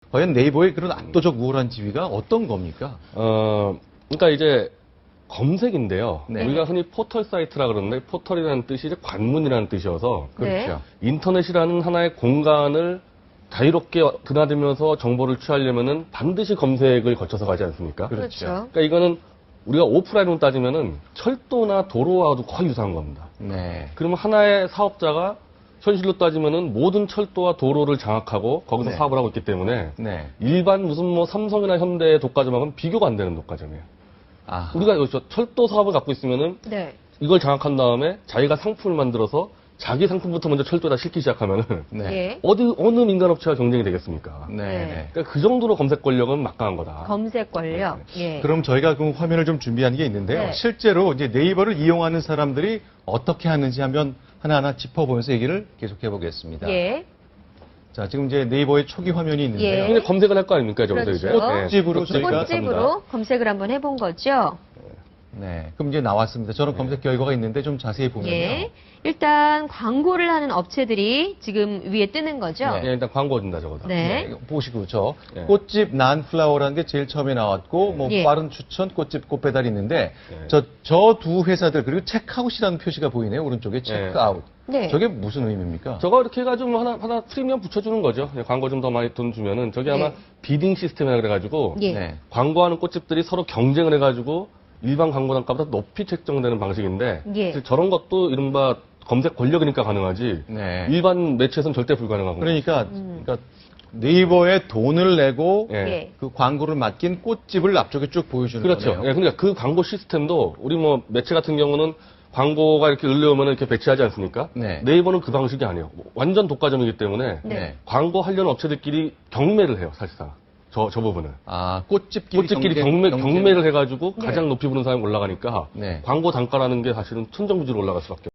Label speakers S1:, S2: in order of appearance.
S1: 과연 네이버의 그런 압도적 우월한 지위가 어떤 겁니까?
S2: 그러니까 이제 검색인데요.
S1: 네.
S2: 우리가 흔히 포털 사이트라 그러는데 포털이라는 뜻이 이제 관문이라는 뜻이어서
S1: 그렇죠.
S2: 인터넷이라는 하나의 공간을 자유롭게 드나들면서 정보를 취하려면은 반드시 검색을 거쳐서 가지 않습니까?
S1: 그렇죠.
S2: 그러니까 이거는 우리가 오프라인으로 따지면은 철도나 도로와도 거의 유사한 겁니다.
S1: 네.
S2: 그러면 하나의 사업자가 현실로 따지면은 모든 철도와 도로를 장악하고 거기서
S1: 네.
S2: 사업을 하고 있기 때문에
S1: 네.
S2: 일반 무슨 뭐 삼성이나 현대의 독과점하고는 비교가 안 되는 독과점이에요.
S1: 아.
S2: 우리가 여기서 철도 사업을 갖고 있으면은
S3: 네.
S2: 이걸 장악한 다음에 자기가 상품을 만들어서 자기 상품부터 먼저 철도에다 싣기 시작하면은
S1: 네.
S3: 예.
S2: 어느 민간업체가 경쟁이 되겠습니까?
S1: 네. 네.
S2: 그러니까 그 정도로 검색 권력은 막강한 거다.
S3: 검색 권력. 예.
S1: 그럼 저희가 그 화면을 좀 준비한 게 있는데요.
S3: 네.
S1: 실제로 이제 네이버를 이용하는 사람들이 어떻게 하는지 한번 하나하나 짚어보면서 얘기를 계속해 보겠습니다.
S3: 예.
S1: 자, 지금 이제 네이버의 초기 화면이 있는데요.
S3: 예.
S2: 근데 검색을 할 거 아닙니까, 저기서
S3: 그렇죠.
S2: 이제?
S1: 꽃집으로 저희가
S3: 꽃집으로 검색을 한번 해본 거죠.
S1: 네. 그럼 이제 나왔습니다. 저런 검색 결과가 있는데 좀 자세히 보면요.
S3: 예. 일단 광고를 하는 업체들이 지금 위에 뜨는 거죠.
S1: 네.
S2: 예, 일단 광고 준다 저거다.
S3: 네.
S1: 네, 보시고 저
S2: 네.
S1: 꽃집 난플라워라는 게 제일 처음에 나왔고 뭐
S3: 예.
S1: 빠른 추천 꽃집 꽃배달이 있는데
S2: 네.
S1: 저 두 회사들 그리고 체크아웃이라는 표시가 보이네요. 오른쪽에 체크아웃.
S3: 네.
S1: 저게 무슨 의미입니까?
S2: 저거 이렇게 해가지고 하나 프리미엄 붙여주는 거죠. 예, 광고 좀 더 많이 돈 주면은 저게 아마
S3: 예.
S2: 비딩 시스템이라 그래가지고
S3: 예.
S1: 네.
S2: 광고하는 꽃집들이 서로 경쟁을 해가지고 일반 광고 단가보다 높이 책정되는 방식인데
S3: 예.
S2: 사실 저런 것도 이른바 검색 권력이니까 가능하지
S1: 네.
S2: 일반 매체에서는 절대 불가능한 거예요.
S1: 그러니까 네이버에 돈을 내고
S2: 예.
S3: 예.
S1: 그 광고를 맡긴 꽃집을 앞쪽에 쭉 보여주는
S2: 그렇죠.
S1: 거네요.
S2: 예, 그러니까 그 광고 시스템도 우리 뭐 매체 같은 경우는 광고가 이렇게 을려오면 이렇게 배치하지 않습니까?
S1: 네.
S2: 네이버는 그 방식이 아니에요. 완전 독과점이기 때문에
S3: 네.
S2: 광고 하려는 업체들끼리 경매를 해요, 사실상. 저 부분을.
S1: 아, 꽃집끼리,
S2: 꽃집끼리
S1: 경쟁.
S2: 경매를 해가지고
S3: 네.
S2: 가장 높이 부른 사람이 올라가니까
S1: 네.
S2: 광고 단가라는 게 사실은 천정부지로 올라갈 수밖에